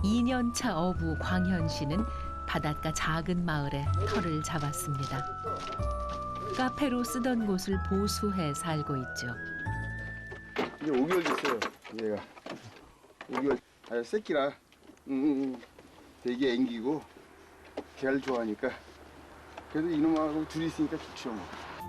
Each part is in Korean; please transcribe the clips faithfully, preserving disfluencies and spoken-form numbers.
이 년 차 어부 광현 씨는 바닷가 작은 마을에 터를 잡았습니다. 카페로 쓰던 곳을 보수해 살고 있죠. 이제 오 개월 됐어요, 얘가. 오 개월. 아, 새끼라. 응, 응, 응. 되게 앵기고, 개를 좋아하니까. 그래도 이놈하고 둘이 있으니까 좋죠, 뭐.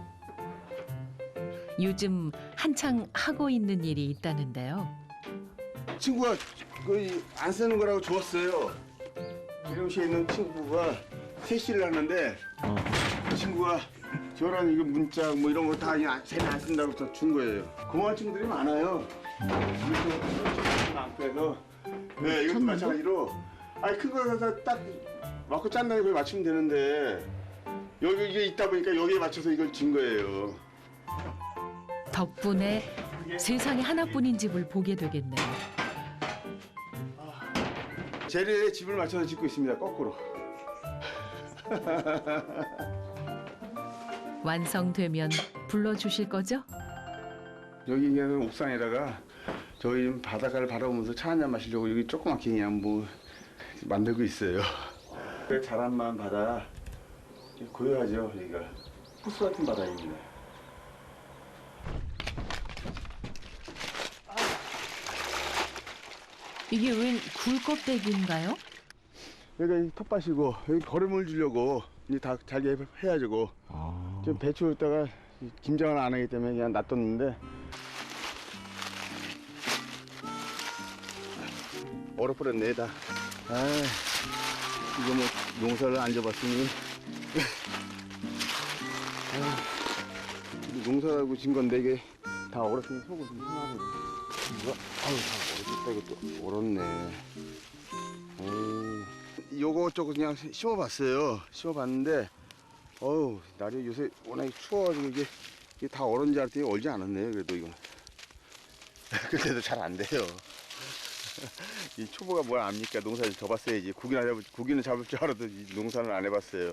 요즘 한창 하고 있는 일이 있다는데요. 친구가 거의 안 쓰는 거라고 줬어요. 미용실에 있는 친구가 세시를 하는데, 그 친구가 저랑 이거 문자 뭐 이런 거 다 그냥 쟤는 안 쓴다고 저 준 거예요. 고마운 친구들이 많아요. 이것도 안 빼서. 네, 이것도 마찬가지로. 아니, 큰 거 딱 맞고 짠 다음에 거기 맞추면 되는데, 여기 이게 있다 보니까 여기에 맞춰서 이걸 준 거예요. 덕분에 세상에 하나뿐인 집을 보게 되겠네요. 재래의 집을 맞춰서 짓고 있습니다, 거꾸로. 완성되면 불러주실 거죠? 여기 그냥 옥상에다가 저희 바닷가를 바라보면서 차 한잔 마시려고 여기 조그맣게 그냥 뭐 만들고 있어요. 자란만 바다 고요하죠, 여기가. 호수 같은 바다입니다. 이게 웬 굴껍데기인가요? 여기가 텃밭이고 여기 거름을 주려고 이제 다 잘게 해야죠. 아. 지금 배추에다가 김장을 안 하기 때문에 그냥 놔뒀는데 얼어버렸네 다. 아, 이거 뭐 농사를 안 져봤으니 아, 농사라고 진 건데 이게 다 얼었으니 속은 좀 상하네. 이거 아유 다 얼었다. 이것도 얼었네. 에이, 요거 저거 그냥 심어봤어요. 심어봤는데 어우 날이 요새 워낙 추워가지고 이게, 이게 다 얼었는지 알았더니 얼지 않았네요. 그래도 이거 그래도 잘 안 돼요. 이 초보가 뭘 압니까? 농사를 져봤어야지. 고기나 잡을, 고기는 잡을 줄 알아도 농사는 안 해봤어요.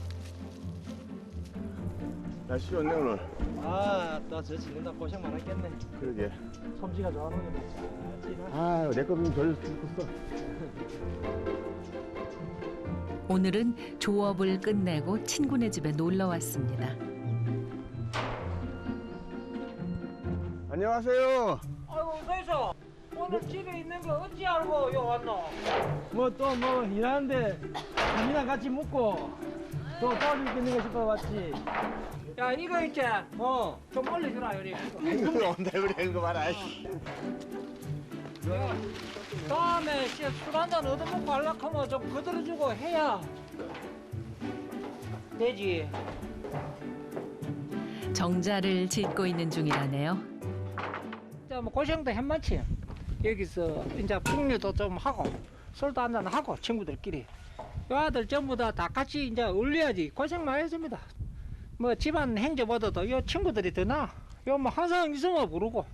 날씨 좋네 오늘. 아, 또 저 짓는다 고생 많았겠네. 그러게. 솜씨가 좋아하는 게 아, 내 거는 별 컸어. 오늘은 조업을 끝내고 친구네 집에 놀러 왔습니다. 안녕하세요. 아이고 그래서 오늘 집에 있는 거 어찌 알고 요 왔노? 뭐 또 뭐 일하는데 밥이나 같이 먹고 또 도와줄 게 있는 거 싶어 왔지. 야 이거 있지? 어. 좀 올려주라 요리. 이거 온다 그래 이거 봐라. 다음에 술 한잔 얻어먹고 하려고 하면 좀 거들어주고 해야 되지. 정자를 짓고 있는 중이라네요. 자, 뭐 고생도 했만치. 여기서 이제 풍류도 좀 하고 술도 한잔 하고 친구들끼리. 요 아들 전부 다 다 같이 이제 어울려야지. 고생 많이 했습니다. 뭐 집안 행제보다도 요 친구들이 더 나아. 요 뭐 항상 있으면 부르고.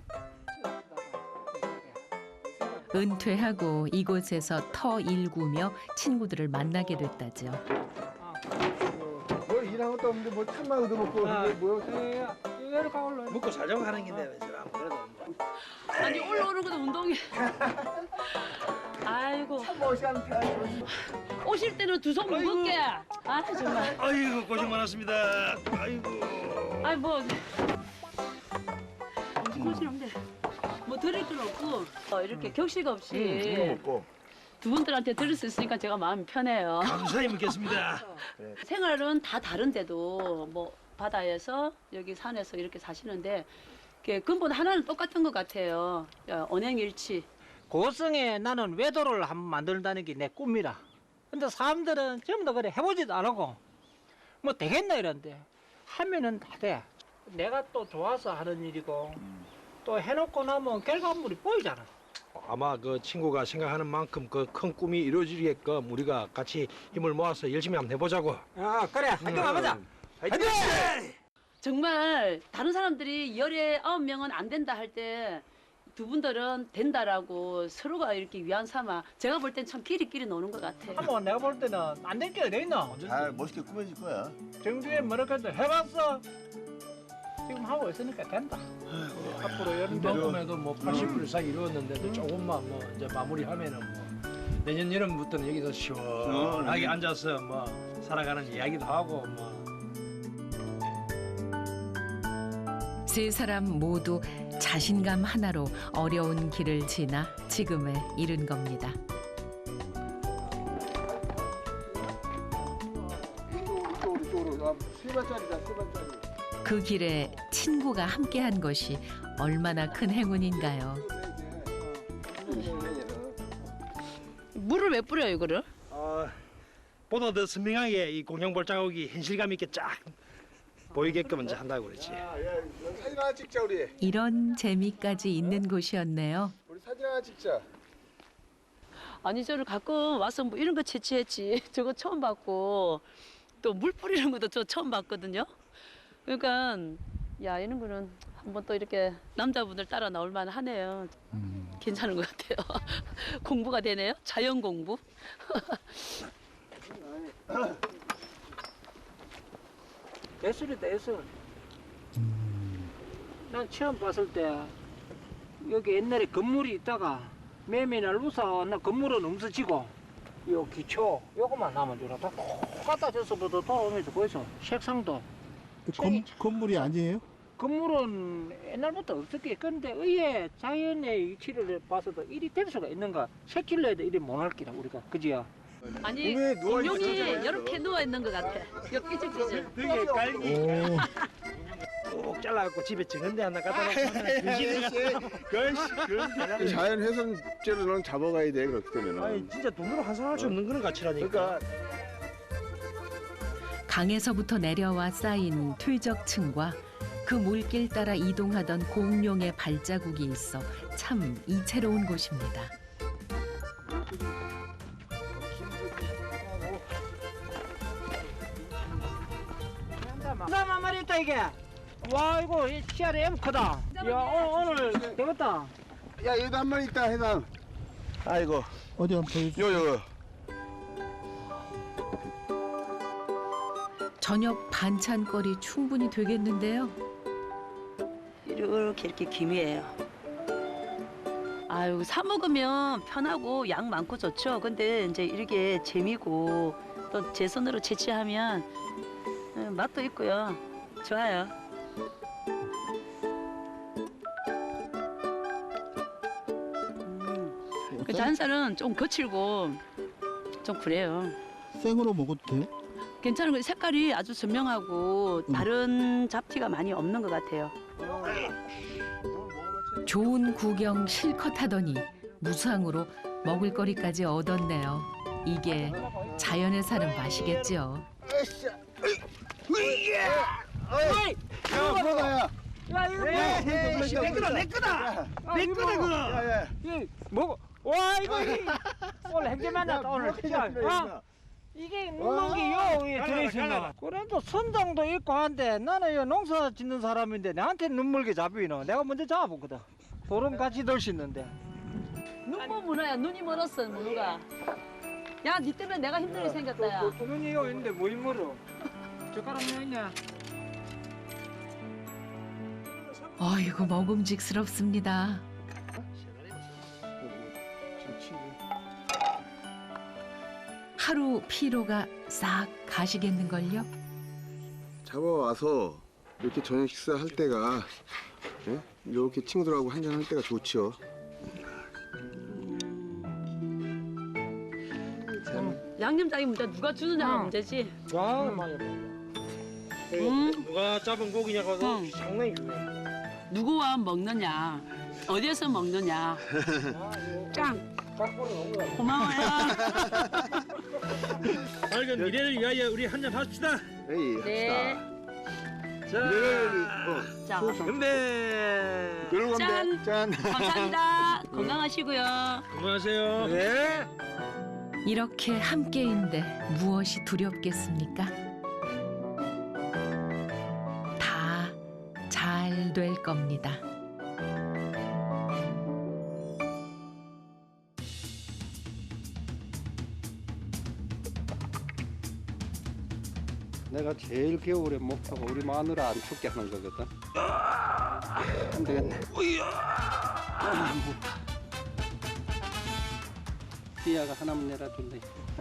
은퇴하고 이곳에서 터 일구며 친구들을 만나게 됐다죠. 뭐 일한 것도 없는데 뭐 참만 얻어먹고 아, 이게 뭐야? 이리 가올라. 먹고 살자고 하는 긴데 왜 저래 안 그래도. 아니 올라오는 것도 운동이. 아이고 오실 때는 두 손 무겁게. 아 정말. 아이고 고생 많았습니다. 아이고. 아이 뭐 고생 없네. 뭐 드릴 건 없고 어, 이렇게 격식 없이 이거 먹고. 두 분들한테 들을 수 있으니까 제가 마음이 편해요. 감사히 먹겠습니다. 생활은 다 다른데도 뭐 바다에서 여기 산에서 이렇게 사시는데 이렇게 근본 하나는 똑같은 것 같아요. 야, 언행일치. 고성에 나는 외도를 한번 만든다는 게 내 꿈이라. 근데 사람들은 전부 다 그래 해보지도 안 하고 뭐 되겠나 이런데 하면은 다 돼. 내가 또 좋아서 하는 일이고 또 해놓고 나면 결과물이 보이잖아. 아마 그 친구가 생각하는 만큼 그 큰 꿈이 이루어지게끔 우리가 같이 힘을 모아서 열심히 한번 해보자고. 아 그래 화이팅 가보자. 화이팅! 정말 다른 사람들이 열에 아홉 명은 안 된다 할 때 두 분들은 된다라고 서로가 이렇게 위안 삼아 제가 볼 땐 참 끼리끼리 노는 것 같아요. 한번 내가 볼 때는 안 될 게 어디 있나? 잘 멋있게 꾸며질 거야. 정주에 뭐라고 해도 해봤어. 지금 하고 있으니까 된다. 앞으로 이런 데도 이만큼에도 뭐 팔십 불 이상 이루었는데도 조금만 뭐 이제 마무리하면은 뭐 내년 여름부터는 여기서 시원하게 앉아서 뭐 살아가는 이야기도 하고 뭐. 세 사람 모두 자신감 하나로 어려운 길을 지나 지금에 이른 겁니다. 이쪽으로 이쪽으로 아, 세 번짜리다 세 번짜리. 그 길에 친구가 함께한 것이 얼마나 큰 행운인가요. 물을 왜 뿌려요, 이거를? 어, 보다 더 선명하게 이 공룡볼 자국이 현실감 있게 쫙 보이게끔 이제 한다고 그랬지. 야, 야, 사진 하나 찍자 우리. 이런 재미까지 있는 곳이었네요. 우리 사진 하나 찍자. 아니 저를 가끔 와서 뭐 이런 거 채취했지. 저거 처음 봤고 또 물 뿌리는 것도 저 처음 봤거든요. 그러니까 야 이런 거는 한번 또 이렇게 남자분들 따라 나올 만하네요. 음. 괜찮은 것 같아요. 공부가 되네요. 자연 공부. 예술이다 예술. 난 처음 봤을 때 여기 옛날에 건물이 있다가 매매날 우사 나 건물은 없어지고 요 기초 요거만 남은 줄 알았다. 갖다 줬어부터 돌아오면서 거기서 색상도 건, 건물이 아니에요? 건물은 옛날부터 없었기. 그런데 의외 자연의 위치를 봐서도 이리 될 수가 있는가? 새끼를 해도 이리 못할 기라 우리가 그지야. 아니 왜 누워 공룡이 있었잖아요. 이렇게 누워 있는 것 같아. 여 삐질삐질. 되게 깔기 오, 꼭 잘라갖고 집에 정은데 하나 갖다 놓으면 귀신을 갖다 자연 훼손죄로 너는 잡아가야 돼 그렇기 때문에. 아니 진짜 돈으로 환산할 수 없는 그런 가치라니까. 그러니까 강에서부터 내려와 쌓인 퇴적층과 그 물길 따라 이동하던 공룡의 발자국이 있어 참 이채로운 곳입니다. 나만 말이 있다 이게. 와 이거 이 씨알이 엠 크다. 야 오늘, 오늘 되겠다. 야 얘도 한 마리 있다 해남. 아이고 어디 한번 보여주세요. 요요. 저녁 반찬거리 충분히 되겠는데요. 이렇게 이렇게 김이에요. 아유 사 먹으면 편하고 양 많고 좋죠. 근데 이제 이렇게 재미고 또 제 손으로 채취하면 음, 맛도 있고요. 좋아요. 음, 그 잔살은 좀 거칠고 좀 그래요. 생으로 먹어도 돼요? 괜찮은 거 색깔이 아주 선명하고 다른 잡티가 많이 없는 것 같아요. 좋은 구경 실컷 하더니 무상으로 먹을거리까지 얻었네요. 이게 자연에 사는 맛이겠죠. 야 뭐가야? 야 이거 뭐야? 내 거다 내 거다. 내 거다 그거. 야야. 이 먹어. 와 이거 이- 오늘 행제 만났다 오늘. 야, 이게 눈먼 게요 위에 들어있었나? 그래도 선장도 있고 한데 나는 요 농사 짓는 사람인데 나한테 눈물게 잡히노. 내가 먼저 잡아보거든. 소름 같이 들 수 있는데. 눈먼 문어야. 눈이 멀었어 문어가. 야, 니 때문에 내가 힘들게 생겼다 야. 눈이 요 있는데 뭐 힘들어? 젓가락 뭐 있냐? 어이구 먹음직스럽습니다. 하루 피로가 싹 가시겠는걸요? 잡아와서 이렇게 저녁 식사할 때가 예? 이렇게 친구들하고 한잔 할 때가 좋지요. 양념장이 문제 누가 주느냐가 응. 문제지. 와 많이 음. 누가 잡은 고기냐고 응. 상당히 중요해. 누구와 먹느냐, 어디에서 먹느냐. 짱. 고마워요. 밝은 미래를 위하여 우리 한잔 합시다. 에이 네. 합시다. 자, 네, 자, 건배. 그런 짠. 건데 짠. 감사합니다. 건강하시고요. 안녕하세요. 네. 이렇게 함께인데 무엇이 두렵겠습니까? 다 잘 될 겁니다. 내가 제일 겨울에 목표가 우리 마누라 안 춥게 하는 거거든. 안 되겠네. 삐아가 하나만 내려준대.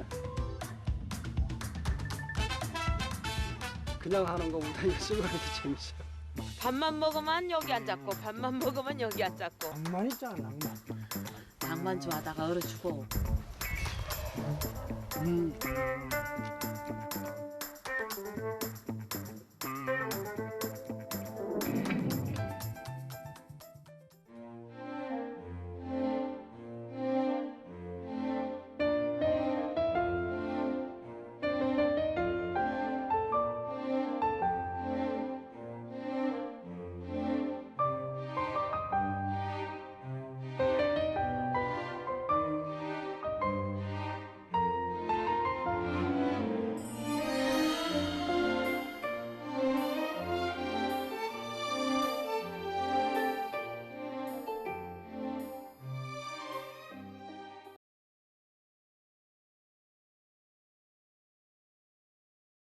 그냥 하는 거보다 이거 쓰고 하는 게 재밌어. 밥만 먹으면 여기 앉았고 밥만 먹으면 여기 앉았고. 낭만 있잖아, 낭만. 낭만 좋아하다가 얼어 죽어. 음.